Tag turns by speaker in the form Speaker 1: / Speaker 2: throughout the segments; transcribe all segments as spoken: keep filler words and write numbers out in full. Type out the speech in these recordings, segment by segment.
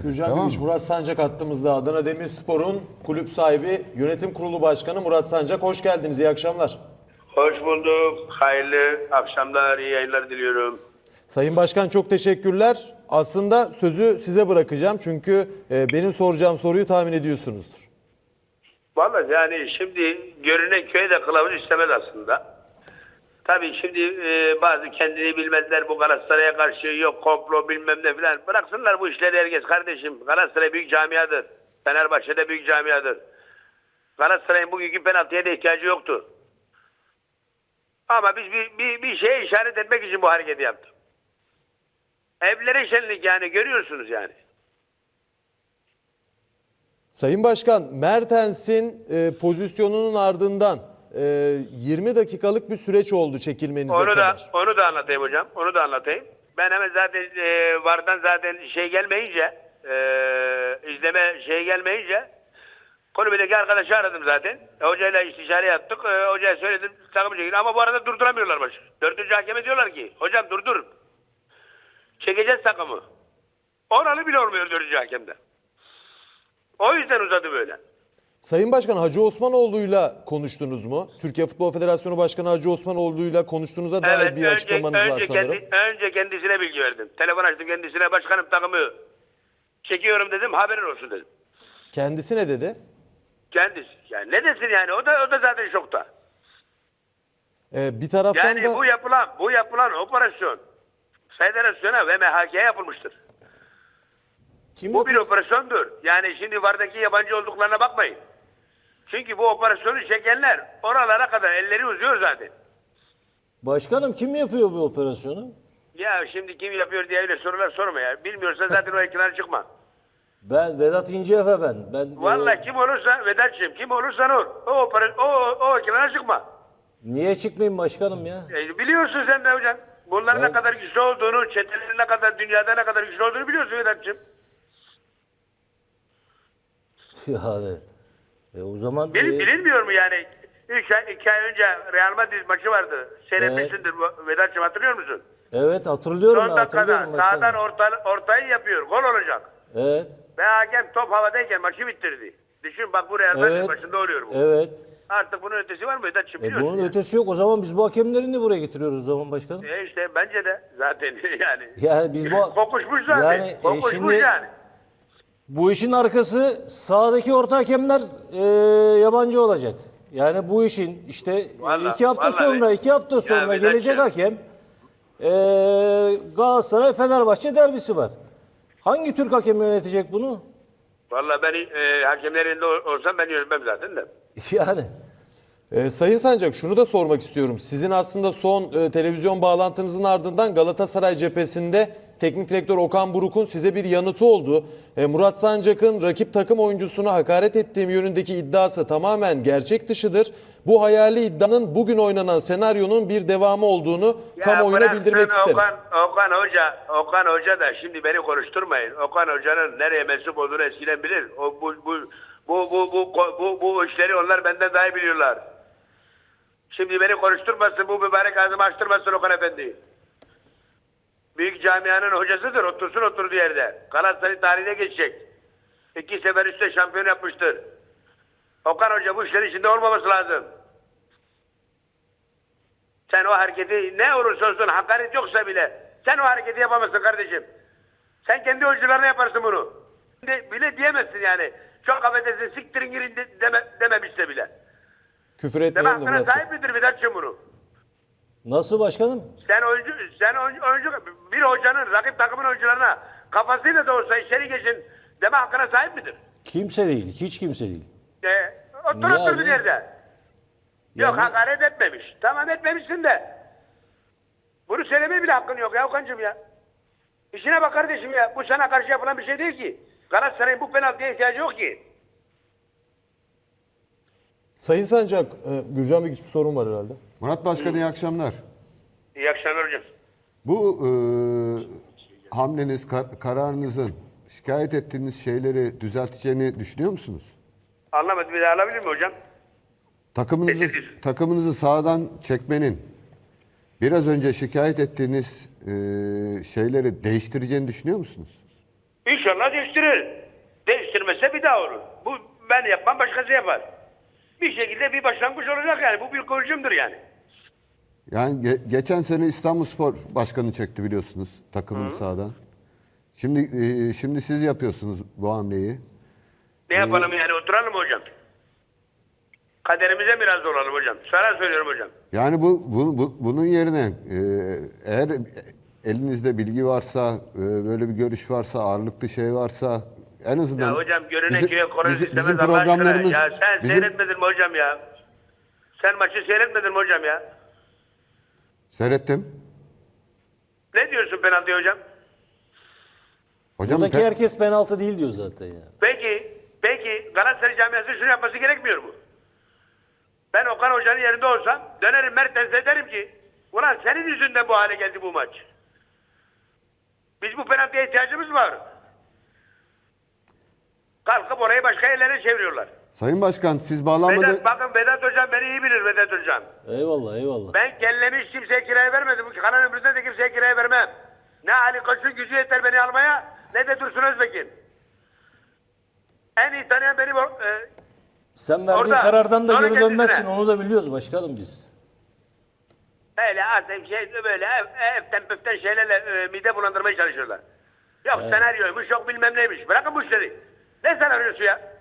Speaker 1: Gürcan
Speaker 2: Tamam
Speaker 1: Gümüş,
Speaker 2: mı?
Speaker 1: Murat Sancak hattımızda. Adana Demirspor'un kulüp sahibi, yönetim kurulu başkanı Murat Sancak. Hoş geldiniz, iyi akşamlar.
Speaker 3: Hoş bulduk. Hayırlı akşamlar, iyi yayınlar diliyorum.
Speaker 1: Sayın Başkan çok teşekkürler. Aslında sözü size bırakacağım çünkü e, benim soracağım soruyu tahmin ediyorsunuzdur.
Speaker 3: Vallahi yani şimdi görünen köye de kılavuz istemez aslında. Tabii şimdi e, bazı kendini bilmezler bu Galatasaray'a karşı, yok komplo bilmem ne filan. Bıraksınlar bu işleri herkes kardeşim. Galatasaray büyük camiadır. Fenerbahçe'de büyük camiadır. Galatasaray'ın bugünkü penaltıya da ihtiyacı yoktu. Ama biz bir, bir, bir şeye işaret etmek için bu hareketi yaptık. Evlere şenlik yani, görüyorsunuz yani.
Speaker 1: Sayın Başkan, Mertens'in e, pozisyonunun ardından e, yirmi dakikalık bir süreç oldu çekilmenize
Speaker 3: Onu da
Speaker 1: kadar.
Speaker 3: onu da anlatayım hocam. Onu da anlatayım. Ben hemen zaten e, vardan zaten şey gelmeyince e, izleme şey gelmeyince kulübedeki arkadaşı aradım zaten. E, hocayla istişare yaptık. E, hocaya söyledim takım çekin. Ama bu arada durduramıyorlar başı. Dördüncü hakeme diyorlar ki hocam durdur. Çekeceğiz takımı. Oralı bile olmuyor dördüncü hakemde. O yüzden uzadı böyle.
Speaker 1: Sayın Başkan, Hacı Osmanoğlu'yla konuştunuz mu? Türkiye Futbol Federasyonu Başkanı Hacı Osmanoğlu'yla konuştuğunuza dair
Speaker 3: Evet,
Speaker 1: bir
Speaker 3: önce,
Speaker 1: açıklamanız var
Speaker 3: önce,
Speaker 1: sanırım.
Speaker 3: kendi, önce kendisine bilgi verdim. Telefon açtım kendisine, başkanım takımı çekiyorum dedim, haberin olsun dedim.
Speaker 1: Kendisi ne dedi?
Speaker 3: Kendisi. Yani ne desin yani, o da o da zaten şokta.
Speaker 1: Ee, bir taraftan
Speaker 3: Yani
Speaker 1: da...
Speaker 3: bu yapılan bu yapılan operasyon federasyona ve M H K'ye yapılmıştır.
Speaker 1: Kim
Speaker 3: Bu bir operasyondur. Yani şimdi vardaki yabancı olduklarına bakmayın. Çünkü bu operasyonu çekenler oralara kadar elleri uzuyor zaten.
Speaker 4: Başkanım kim yapıyor bu operasyonu?
Speaker 3: Ya şimdi kim yapıyor diye öyle sorular sorma ya. Bilmiyorsa zaten o ekrana çıkma.
Speaker 4: Ben Vedat İnceefe ben. Ben
Speaker 3: Vallahi
Speaker 4: e,
Speaker 3: kim olursa Vedat'cığım, kim olursan ol. O, opera, o, o ekrana çıkma.
Speaker 4: niye çıkmayayım başkanım ya?
Speaker 3: E, biliyorsun sen de hocam. Bunların
Speaker 4: Ben-
Speaker 3: ne kadar güçlü olduğunu, çetelerin ne kadar, dünyada ne kadar güçlü olduğunu biliyorsun Vedat'cığım.
Speaker 4: Yani e, o zaman
Speaker 3: Bil,
Speaker 4: e,
Speaker 3: bilinmiyor mu yani? Üç ay, iki ay önce Real Madrid maçı vardı. Seyretmişsindir bu Vedat'cığım, hatırlıyor musun?
Speaker 4: evet hatırlıyorum
Speaker 3: Son
Speaker 4: ben hatırlıyorum
Speaker 3: dakikada sağdan
Speaker 4: başkanım.
Speaker 3: orta, ortayı yapıyor. Gol olacak.
Speaker 4: Evet.
Speaker 3: Ve hakem top havadayken maçı bitirdi. Düşün bak, bu Real Madrid
Speaker 4: Evet.
Speaker 3: maçında oluyor bu.
Speaker 4: Evet.
Speaker 3: Artık bunun ötesi var mı Vedat'cığım,
Speaker 4: E,
Speaker 3: biliyorsun
Speaker 4: bunun
Speaker 3: yani.
Speaker 4: ötesi yok. O zaman biz bu hakemlerini de buraya getiriyoruz o zaman başkanım.
Speaker 3: E işte bence de zaten yani.
Speaker 4: Yani biz bu
Speaker 3: Kokuşmuş zaten.
Speaker 4: yani, e,
Speaker 3: Kokuşmuş
Speaker 4: şimdi
Speaker 3: yani.
Speaker 4: bu işin arkası sahadaki orta hakemler e, yabancı olacak. Yani bu işin işte e,
Speaker 3: Vallahi-
Speaker 4: iki hafta
Speaker 3: vallahi-
Speaker 4: sonra iki hafta
Speaker 3: Ya
Speaker 4: sonra
Speaker 3: Vedat'cığım.
Speaker 4: gelecek hakem e, Galatasaray Fenerbahçe derbisi var. Hangi Türk hakemi yönetecek bunu?
Speaker 3: Vallahi ben e, hakemlerin yerinde ol- olsam ben yönetmem zaten de.
Speaker 4: Yani
Speaker 1: Ee, Sayın Sancak, şunu da sormak istiyorum. Sizin aslında son e, televizyon bağlantınızın ardından Galatasaray cephesinde teknik direktör Okan Buruk'un size bir yanıtı oldu. E, Murat Sancak'ın rakip takım oyuncusuna hakaret ettiğim yönündeki iddiası tamamen gerçek dışıdır. Bu hayali iddianın bugün oynanan senaryonun bir devamı olduğunu
Speaker 3: Ya
Speaker 1: kamuoyuna
Speaker 3: bıraksın
Speaker 1: bildirmek isterim.
Speaker 3: Okan, Okan Hoca, Okan Hoca da şimdi beni konuşturmayın. Okan Hoca'nın nereye mensup olduğunu eskiden bilir. O bu bu bu bu bu bu, bu, bu işleri onlar benden daha iyi biliyorlar. Şimdi beni konuşturmasın, bu mübarek ağzımı açtırmasın Okan Efendi. Büyük camianın hocasıdır, otursun oturduğu yerde. Galatasaray tarihine geçecek. İki sefer üstte şampiyon yapmıştır. Okan Hoca bu işlerin içinde olmaması lazım. Sen o hareketi, ne olursa olsun hakaret yoksa bile, sen o hareketi yapamazsın kardeşim. Sen kendi oyuncularına yaparsın bunu. De, bile diyemezsin yani. Çok affedersin, siktirin girin de, deme, dememişse bile.
Speaker 1: Küfür
Speaker 3: Deme
Speaker 1: etmeyelim de
Speaker 3: hakkına
Speaker 1: Murat Bey.
Speaker 3: sahip midir Vedat'cığım bunu?
Speaker 4: nasıl başkanım?
Speaker 3: Sen oyuncu, sen oyuncu, oyuncu, bir hocanın rakip takımın oyuncularına kafasıyla da olsa içeri geçin deme hakkına sahip midir?
Speaker 4: Kimse değil. Hiç kimse değil.
Speaker 3: E, otur
Speaker 4: Niye
Speaker 3: otur bir
Speaker 4: abi?
Speaker 3: yerde. Yok
Speaker 4: Yani-
Speaker 3: hakaret etmemiş. Tamam, etmemişsin de. Bunu söylemeye bile hakkın yok ya Okan'cığım ya. İşine bak kardeşim ya. Bu sana karşı yapılan bir şey değil ki. Galatasaray'ın bu penaltıya ihtiyacı yok ki.
Speaker 1: Sayın Sancak, e, Gürcan Bey bir sorun var herhalde.
Speaker 2: Murat Başkan iyi akşamlar.
Speaker 3: İyi akşamlar hocam.
Speaker 2: Bu e, hamleniz, kar- kararınızın şikayet ettiğiniz şeyleri düzelteceğini düşünüyor musunuz?
Speaker 3: Anlamadım, bir daha alabilir mi hocam?
Speaker 2: Takımınızı
Speaker 3: Teşekkür.
Speaker 2: takımınızı sağdan çekmenin biraz önce şikayet ettiğiniz e, şeyleri değiştireceğini düşünüyor musunuz?
Speaker 3: İnşallah değiştirir. Değiştirmezse bir daha olur. Bu ben yapmam, başkası yapar. Bir şekilde bir başlangıç olacak yani. Bu bir kıvılcımdır yani.
Speaker 2: Yani ge- geçen sene İstanbulspor başkanı çekti biliyorsunuz takımını sahadan. Şimdi e, şimdi siz yapıyorsunuz bu hamleyi.
Speaker 3: Ne yapalım yani, oturalım mı hocam? Kaderimize mi razı olalım hocam? Sana söylüyorum hocam.
Speaker 2: Yani bu, bu, bu- bunun yerine e, eğer elinizde bilgi varsa, e, böyle bir görüş varsa, ağırlıklı şey varsa en azından
Speaker 3: Ya hocam görünen
Speaker 2: bizim,
Speaker 3: köye konu
Speaker 2: bizim,
Speaker 3: istemez
Speaker 2: bizim
Speaker 3: Allah aşkına.
Speaker 2: programlarımız
Speaker 3: Ya sen
Speaker 2: bizim,
Speaker 3: seyretmedin mi hocam ya? Sen maçı seyretmedin mi hocam ya?
Speaker 2: seyrettim.
Speaker 3: Ne diyorsun penaltıya hocam?
Speaker 2: Hocam
Speaker 4: Buradaki
Speaker 2: pe-
Speaker 4: herkes penaltı değil diyor zaten ya.
Speaker 3: Peki, peki Galatasaray camiası şunu yapması gerekmiyor mu? Ben Okan Hoca'nın yerinde olsam dönerim Mertens'e derim ki ulan senin yüzünden bu hale geldi bu maç. Biz bu penaltıya ihtiyacımız var. Kalkıp orayı başka yerlere çeviriyorlar.
Speaker 2: Sayın Başkan siz bağlanmadı.
Speaker 3: Vedat, bakın Vedat Hocam beni iyi bilir Vedat Hocam.
Speaker 4: Eyvallah eyvallah.
Speaker 3: Ben kellemi hiç kimseye kiraya vermedim. Bu kalan ömrümde de kimseye kiraya vermem. Ne Ali Koç'un gücü yeter beni almaya ne de Dursun Özbek'in. En iyi tanıyan beni bu, e,
Speaker 4: Sen verdiğin
Speaker 3: Orada,
Speaker 4: karardan da
Speaker 3: sonra
Speaker 4: geri dönmezsin.
Speaker 3: kendisine.
Speaker 4: Onu da biliyoruz başkanım biz.
Speaker 3: öyle artık şey böyle ev, evden püften şeylerle e, mide bulandırmaya çalışıyorlar. Yok senaryoymuş yok bilmem neymiş. Bırakın bu işleri. Ne senaryosu ya?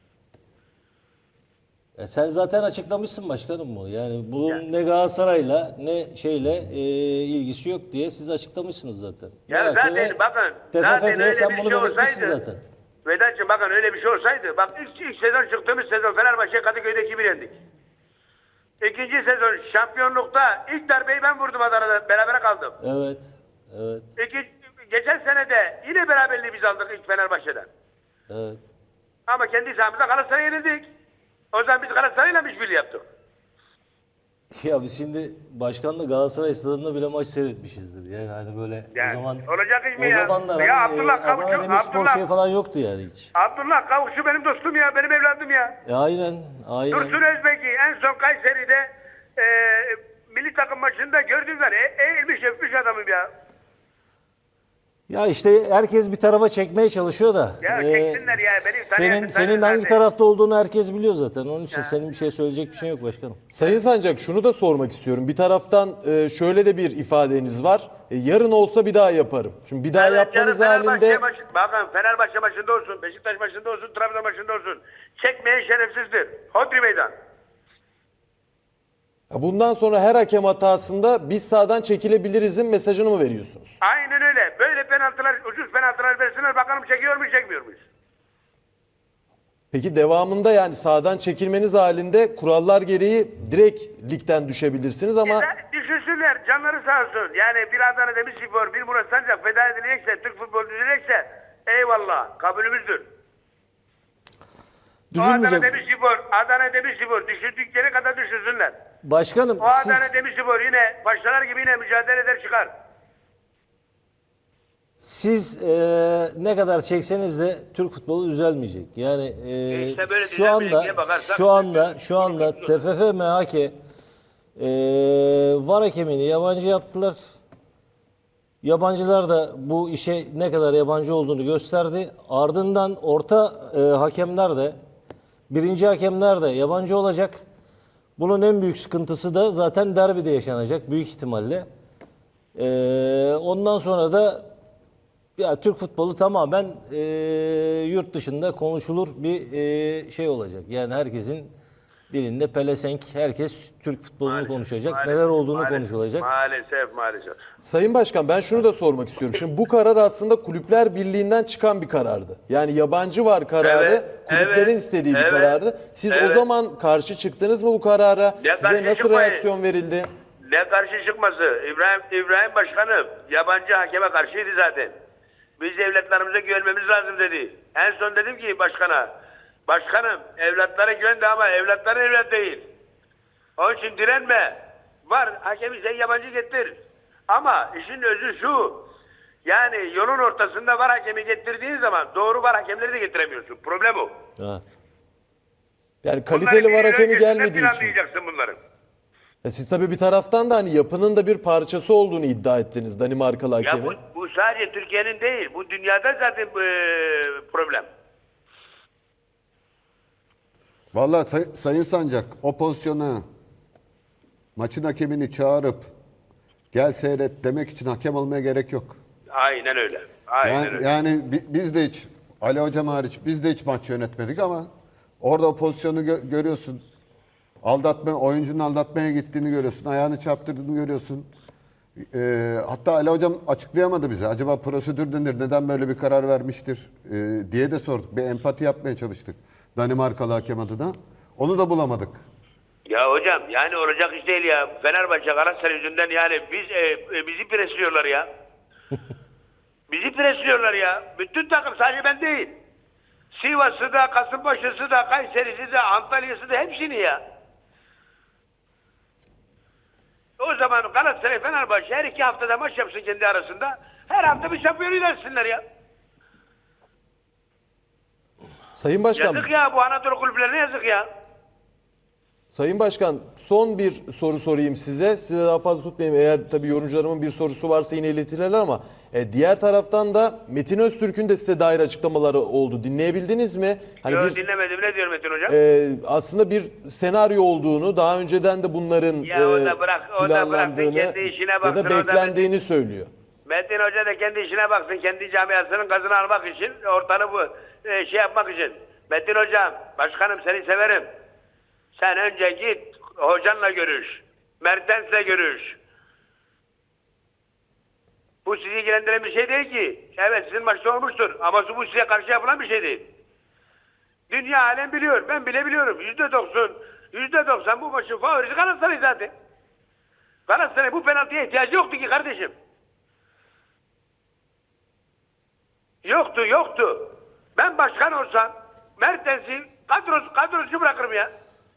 Speaker 4: E sen zaten açıklamışsın başkanım bu. Yani bunun ne Galatasaray'la ne şeyle e, ilgisi yok diye siz açıklamışsınız zaten.
Speaker 3: Ya
Speaker 4: M H K
Speaker 3: zaten
Speaker 4: ve
Speaker 3: bakın.
Speaker 4: T F
Speaker 3: Zaten
Speaker 4: F diye
Speaker 3: öyle
Speaker 4: sen
Speaker 3: bir
Speaker 4: bunu
Speaker 3: şey
Speaker 4: belirtmişsin
Speaker 3: olsaydı.
Speaker 4: zaten.
Speaker 3: Vedat'cığım bakın öyle bir şey olsaydı. Bak ilk, ilk sezon çıktığımız sezon Fenerbahçe Kadıköy'de iki bir yendik. İkinci sezon şampiyonlukta ilk darbeyi ben vurdum Adana'da. Berabere kaldım.
Speaker 4: Evet. Evet.
Speaker 3: İki, geçen sene de yine beraberliği biz aldık ilk Fenerbahçe'den.
Speaker 4: Evet.
Speaker 3: Ama kendi sahamızda Galatasaray'a yenildik. O zaman biz Galatasaray'la mı işbirliği yaptık?
Speaker 4: Ya biz şimdi başkanla Galatasaray stadında bile maç seyretmişizdir. Yani hani böyle
Speaker 3: Yani
Speaker 4: o zaman
Speaker 3: olacak iş mi
Speaker 4: o
Speaker 3: ya?
Speaker 4: zamanlar
Speaker 3: Ya
Speaker 4: hani,
Speaker 3: Abdullah
Speaker 4: e,
Speaker 3: Kavukçu,
Speaker 4: Adana Demirspor
Speaker 3: Abdullah-
Speaker 4: şey falan yoktu yani hiç.
Speaker 3: Abdullah Kavukçu benim dostum ya, benim evladım ya.
Speaker 4: E aynen. Aynen.
Speaker 3: Dursun Özbek'i en son Kayseri'de e, milli takım maçında gördüler. E, eğilmiş öpmüş adamım ya.
Speaker 4: Ya işte herkes bir tarafa çekmeye çalışıyor da.
Speaker 3: Ya
Speaker 4: e,
Speaker 3: çeksinler ya, benim
Speaker 4: senin
Speaker 3: tanıyan-
Speaker 4: senin
Speaker 3: tanıyan
Speaker 4: hangi
Speaker 3: zaten.
Speaker 4: tarafta olduğunu herkes biliyor zaten. Onun için senin bir şey söyleyecek bir şey yok başkanım.
Speaker 1: Sayın Sancak şunu da sormak istiyorum. Bir taraftan e, şöyle de bir ifadeniz var. E, yarın olsa bir daha yaparım. Şimdi bir daha
Speaker 3: Evet,
Speaker 1: yapmanız
Speaker 3: yarın Fenerbahçe
Speaker 1: halinde
Speaker 3: maçı- bakın Fenerbahçe maçında olsun, Beşiktaş maçında olsun, Trabzon maçında olsun. Çekmeyen şerefsizdir. Hodri meydan.
Speaker 1: bundan sonra her hakem hatasında biz sahadan çekilebilirizin mesajını mı veriyorsunuz?
Speaker 3: Aynen öyle. Böyle penaltılar, ucuz penaltılar versinler bakalım çekiyor mu çekmiyor muyuz?
Speaker 1: Peki devamında yani sahadan çekilmeniz halinde kurallar gereği direkt ligden düşebilirsiniz ama
Speaker 3: Ya, düşünsünler canları sağ olsun. Yani bir Adana Demirspor, bir Murat Sancak feda edilecekse, Türk futbolu düzelecekse eyvallah kabulümüzdür. O Adana
Speaker 4: Düzülmeyecek.
Speaker 3: Demirspor, Adana Demirspor düşündükleri kadar düşünsünler.
Speaker 4: Başkanım
Speaker 3: O
Speaker 4: siz,
Speaker 3: Adana Demirspor yine başlar gibi yine mücadele eder çıkar.
Speaker 4: siz e, ne kadar çekseniz de Türk futbolu düzelmeyecek. Yani e,
Speaker 3: İşte böyle
Speaker 4: şu
Speaker 3: düzelmeyecek
Speaker 4: anda
Speaker 3: diye bakarsak-
Speaker 4: şu anda şu anda T F F M H K e, var hakemini yabancı yaptılar. Yabancılar da bu işe ne kadar yabancı olduğunu gösterdi. Ardından orta e, hakemler de birinci hakemler de yabancı olacak. Bunun en büyük sıkıntısı da zaten derbide yaşanacak büyük ihtimalle. E, ondan sonra da ya Türk futbolu tamamen e, yurt dışında konuşulur bir e, şey olacak. Yani herkesin dilinde pelesenk, herkes Türk futbolunu konuşacak,
Speaker 3: Maalesef,
Speaker 4: neler olduğunu
Speaker 3: maalesef,
Speaker 4: konuşulacak.
Speaker 3: Maalesef maalesef.
Speaker 1: Sayın Başkan ben şunu da sormak istiyorum. Şimdi bu karar aslında Kulüpler Birliği'nden çıkan bir karardı. Yani yabancı var kararı
Speaker 3: Evet,
Speaker 1: kulüplerin
Speaker 3: evet,
Speaker 1: istediği bir
Speaker 3: evet,
Speaker 1: karardı. Siz o
Speaker 3: evet.
Speaker 1: zaman karşı çıktınız mı bu karara?
Speaker 3: Ya
Speaker 1: Size
Speaker 3: karşı
Speaker 1: nasıl
Speaker 3: çıkmayın.
Speaker 1: reaksiyon verildi?
Speaker 3: Ne karşı çıkması? İbrahim İbrahim Başkanım yabancı hakeme karşıydı zaten. Biz evlatlarımıza güvenmemiz lazım dedi. En son dedim ki başkana, başkanım evlatlara güvendi ama evlatların evlat değil. Onun için direnme. Var hakemi sen yabancı getir. Ama işin özü şu. Yani yolun ortasında var hakemi getirdiğin zaman doğru var hakemleri de getiremiyorsun. Problem o.
Speaker 4: Evet.
Speaker 1: Yani kaliteli var hakemi gelmediği için.
Speaker 3: Planlayacaksın bunları.
Speaker 1: E siz tabii bir taraftan da hani yapının da bir parçası olduğunu iddia ettiniz Danimarkalı
Speaker 3: Ya
Speaker 1: hakemin.
Speaker 3: bu, bu bu sadece Türkiye'nin değil. Bu dünyada zaten e, problem.
Speaker 2: Vallahi say- Sayın Sancak o pozisyona maçın hakemini çağırıp gel seyret demek için hakem olmaya gerek yok.
Speaker 3: Aynen öyle. Aynen
Speaker 2: Yani,
Speaker 3: öyle.
Speaker 2: yani bi- biz de hiç Ali Hocam hariç biz de hiç maç yönetmedik ama orada o pozisyonu gö- görüyorsun. Aldatma, oyuncunun aldatmaya gittiğini görüyorsun. Ayağını çarptırdığını görüyorsun. Ee, hatta Ali Hocam açıklayamadı bize. Acaba prosedür nedir? Neden böyle bir karar vermiştir? Ee, diye de sorduk. Bir empati yapmaya çalıştık. Danimarkalı hakem adına. Onu da bulamadık.
Speaker 3: Ya hocam yani olacak iş değil ya. Fenerbahçe Galatasaray yüzünden yani biz e, e, bizi presliyorlar ya. Bizi presliyorlar ya. Bütün takım sadece ben değil. Sivas'ı da, Kasımpaşa'sı da, Kayseri'si de, Antalya'sı da hepsini ya. O zaman Galatasaray Fenerbahçe her iki haftada maç yapsın kendi arasında. Her hafta bir şampiyon ilersinler ya.
Speaker 1: Sayın Başkan,
Speaker 3: Yazık ya bu Anadolu kulüplerine yazık ya.
Speaker 1: Sayın Başkan son bir soru sorayım size. Size daha fazla tutmayayım. Eğer tabii yorumcularımın bir sorusu varsa yine iletirler ama e, diğer taraftan da Metin Öztürk'ün de size dair açıklamaları oldu. Dinleyebildiniz mi? Hani
Speaker 3: Yo,
Speaker 1: bir,
Speaker 3: dinlemedim. Ne diyor Metin Hocam?
Speaker 1: e, aslında bir senaryo olduğunu, daha önceden de bunların
Speaker 3: Ya o
Speaker 1: e,
Speaker 3: da bırak- o da bırak, bir
Speaker 1: planlandığını
Speaker 3: kendi işine
Speaker 1: ya
Speaker 3: baksın, o
Speaker 1: da
Speaker 3: da
Speaker 1: beklendiğini söylüyor.
Speaker 3: Metin Hoca da kendi işine baksın. Kendi camiasının gazını almak için, ortalığı bu e, şey yapmak için. Metin Hocam, başkanım seni severim. Sen önce git hocanla görüş. Mertens'le görüş. Bu sizi ilgilendiren bir şey değil ki. Evet sizin maçta olmuştur ama bu size karşı yapılan bir şey değil. Dünya alem biliyor. Ben bile biliyorum. Yüzde doksan, yüzde doksan bu maçın favorisi Galatasaray zaten. Galatasaray bu penaltıya ihtiyacı yoktu ki kardeşim. Yoktu, yoktu. Ben başkan olsam Mertens'i kadrosu, kadrosu bırakırım ya.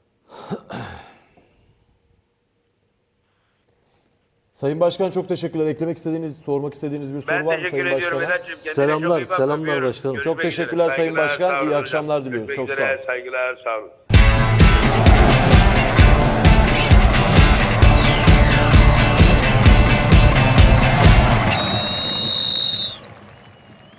Speaker 1: Sayın Başkan çok teşekkürler. Eklemek istediğiniz, sormak istediğiniz bir soru
Speaker 3: Ben
Speaker 1: var mı
Speaker 3: teşekkür
Speaker 1: Sayın
Speaker 3: ediyorum
Speaker 1: Başkan'a?
Speaker 3: Vedat'cığım. Kendine
Speaker 4: Selamlar,
Speaker 3: çok iyi bak,
Speaker 4: selamlar
Speaker 3: öpüyorum.
Speaker 4: başkanım.
Speaker 3: Görüşmek
Speaker 1: Çok teşekkürler
Speaker 3: üzere.
Speaker 1: Sayın
Speaker 3: Saygılar,
Speaker 1: Başkan.
Speaker 3: sağ olun
Speaker 1: İyi
Speaker 3: hocam.
Speaker 1: akşamlar diliyorum.
Speaker 3: Görüşmek
Speaker 1: Çok sağ
Speaker 3: üzere,
Speaker 1: olun.
Speaker 3: saygılar, sağ olun.